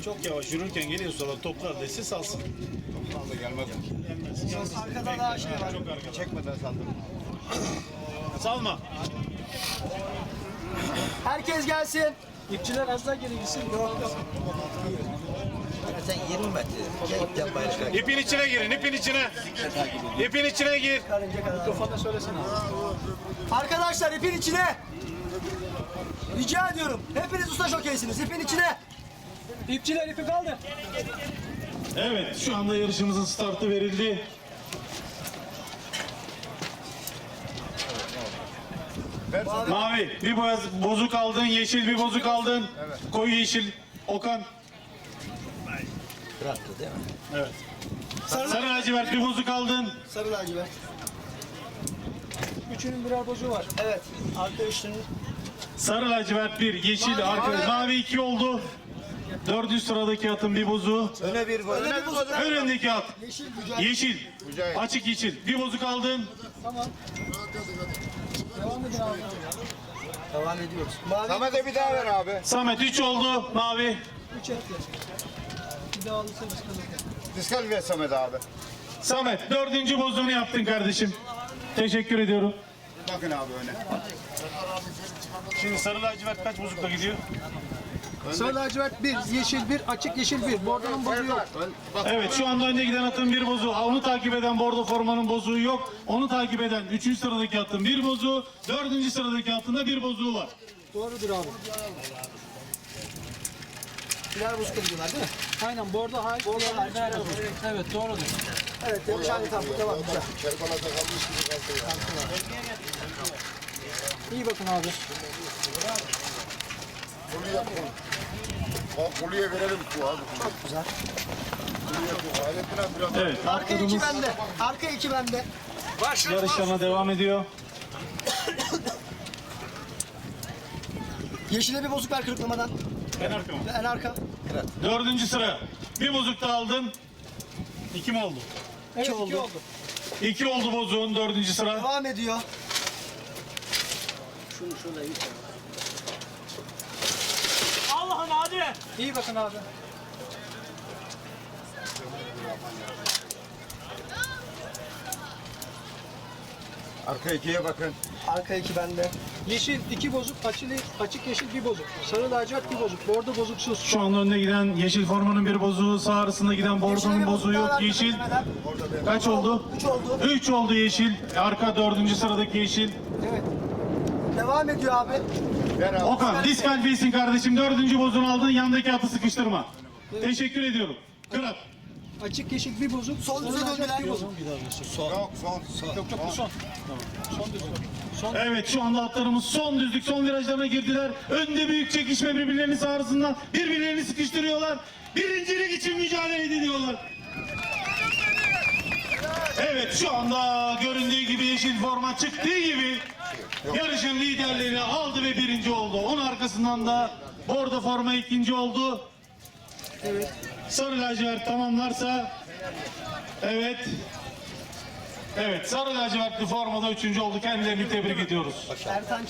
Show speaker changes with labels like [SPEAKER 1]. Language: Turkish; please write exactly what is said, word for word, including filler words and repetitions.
[SPEAKER 1] Çok yavaş yürürken geliyor sonra toplar dese salsın.
[SPEAKER 2] Vallahi gelmez.
[SPEAKER 1] Gelmez.
[SPEAKER 3] Arkada daha şey var.
[SPEAKER 1] Çok arkada.
[SPEAKER 2] Çekmeden saldırın.
[SPEAKER 1] Salma.
[SPEAKER 3] Herkes gelsin.
[SPEAKER 1] İpçiler az daha geri gitsin. Yok yok.
[SPEAKER 4] Sen yirmi metre. Keyiften başka.
[SPEAKER 1] İpin içine girin, ipin içine. İpin içine gir.
[SPEAKER 3] Karınca kadar.
[SPEAKER 1] Mikrofonda söylesene.
[SPEAKER 3] Arkadaşlar ipin içine. Rica ediyorum. Hepiniz usta şokeysiniz. İpin içine.
[SPEAKER 1] İpçiler ipi kaldır. Evet, şu anda yarışımızın startı verildi. Mavi, bir boz, bozuk aldın, yeşil bir bozuk aldın. Evet. Koyu yeşil, Okan.
[SPEAKER 4] Bıraktı değil mi?
[SPEAKER 1] Evet. Sarı, Sarı lacivert bir bozuk aldın.
[SPEAKER 3] Sarı lacivert.
[SPEAKER 1] Üçünün birer bozuğu var.
[SPEAKER 3] Evet. Arka üçlünün.
[SPEAKER 1] Sarı lacivert bir, yeşil mavi, arka, mavi. mavi iki oldu. Dördüncü sıradaki atın bir bozuğu.
[SPEAKER 4] Öne bir boy.
[SPEAKER 3] Öne bir bozuk.
[SPEAKER 1] Önündeki at.
[SPEAKER 3] Yeşil güzel.
[SPEAKER 1] Yeşil.
[SPEAKER 2] Mücahit.
[SPEAKER 1] Açık yeşil. Bir bozuk aldın.
[SPEAKER 3] Tamam. Devam edin abi. Devam ediyoruz. Mavi.
[SPEAKER 2] Samet'e bir daha ver abi.
[SPEAKER 1] Samet üç oldu. Mavi.
[SPEAKER 3] Üç etti. Bir daha alırsa biz kalırız.
[SPEAKER 2] Diskalifiye Samet abi.
[SPEAKER 1] Samet dördüncü bozuğunu yaptın kardeşim. Teşekkür ediyorum.
[SPEAKER 2] Bakın abi öne.
[SPEAKER 1] Şimdi sarı lacivert kaç bozukla gidiyor?
[SPEAKER 5] Sarı lacivert bir, yeşil bir, açık yeşil bir. Bordonun bozuğu yok.
[SPEAKER 1] Evet şu anda önde giden atın bir bozuğu. Onu takip eden bordo formanın bozuğu yok. Onu takip eden üçüncü sıradaki atın bir bozuğu. Dördüncü sıradaki atın da bir bozuğu var.
[SPEAKER 5] Doğrudur abi.
[SPEAKER 3] Birer bozuk ediyorlar değil mi?
[SPEAKER 5] Aynen bordo hariç.
[SPEAKER 3] Bordo hariç.
[SPEAKER 5] Evet, evet doğrudur.
[SPEAKER 3] Evet. Demiş abi tamam. Devam. Güzel.
[SPEAKER 2] Kerbala'da kalmış gibi kaldı ya.
[SPEAKER 5] İyi bakın abi.
[SPEAKER 2] Bunu yapalım. Bak Kulu'ya verelim bu abi.
[SPEAKER 3] Çok güzel.
[SPEAKER 2] Kulu'ya bu. Hayrettin abi biraz.
[SPEAKER 1] Evet
[SPEAKER 3] Arka iki
[SPEAKER 1] atlarımız
[SPEAKER 3] bende. Arka iki bende.
[SPEAKER 1] yarışlarına devam ediyor.
[SPEAKER 3] Yeşile bir bozuk ver kırıklamadan.
[SPEAKER 1] En arka mı?
[SPEAKER 3] En arka.
[SPEAKER 1] Dördüncü sıra. Bir bozuk da aldın. İki mi oldu?
[SPEAKER 5] Evet
[SPEAKER 3] İki
[SPEAKER 5] iki
[SPEAKER 3] oldu.
[SPEAKER 5] oldu.
[SPEAKER 1] İki oldu bozuğun dördüncü sıra.
[SPEAKER 3] Devam ediyor.
[SPEAKER 1] Allah'ım hadi.
[SPEAKER 5] İyi bakın abi.
[SPEAKER 2] Arka ikiye bakın.
[SPEAKER 3] Arka iki bende.
[SPEAKER 5] Yeşil iki bozuk, açık, açık yeşil bir bozuk. Sarı lacivert bir bozuk. Bordo bozuksuz.
[SPEAKER 1] Şu anda önde giden yeşil formanın bir bozuğu, sağ arasında giden bordonun bozuğu yok. Yeşil kaç oldu?
[SPEAKER 3] Üç oldu.
[SPEAKER 1] Üç oldu yeşil. Arka dördüncü sıradaki yeşil.
[SPEAKER 5] Evet.
[SPEAKER 3] Devam ediyor abi.
[SPEAKER 2] Ver abi.
[SPEAKER 1] Okan diskalifiyesin kardeşim. Dördüncü bozuğunu aldın. Yandaki atı sıkıştırma. Teşekkür ediyorum. Kırat.
[SPEAKER 5] Açık yeşil bir bozuk.
[SPEAKER 3] Sol düze
[SPEAKER 5] sarı lacivert
[SPEAKER 3] döndüler.
[SPEAKER 5] bir bozuk.
[SPEAKER 2] Yok son.
[SPEAKER 5] Yok yok bu son. Son düzlük. Son.
[SPEAKER 1] Evet şu anda atlarımız son düzlük, son virajlarına girdiler. Önde büyük çekişme birbirlerinin sağ arasında. Birbirlerini sıkıştırıyorlar. Birincilik için mücadele ediyorlar. Evet şu anda göründüğü gibi yeşil forma çıktığı gibi yarışın liderliğini aldı ve birinci oldu. Onun arkasından da bordo forma ikinci oldu.
[SPEAKER 5] Evet.
[SPEAKER 1] Sarı lacivert tamamlarsa evet. Evet sarı lacivertli formada üçüncü oldu. Kendilerini tebrik ediyoruz.
[SPEAKER 3] Ertan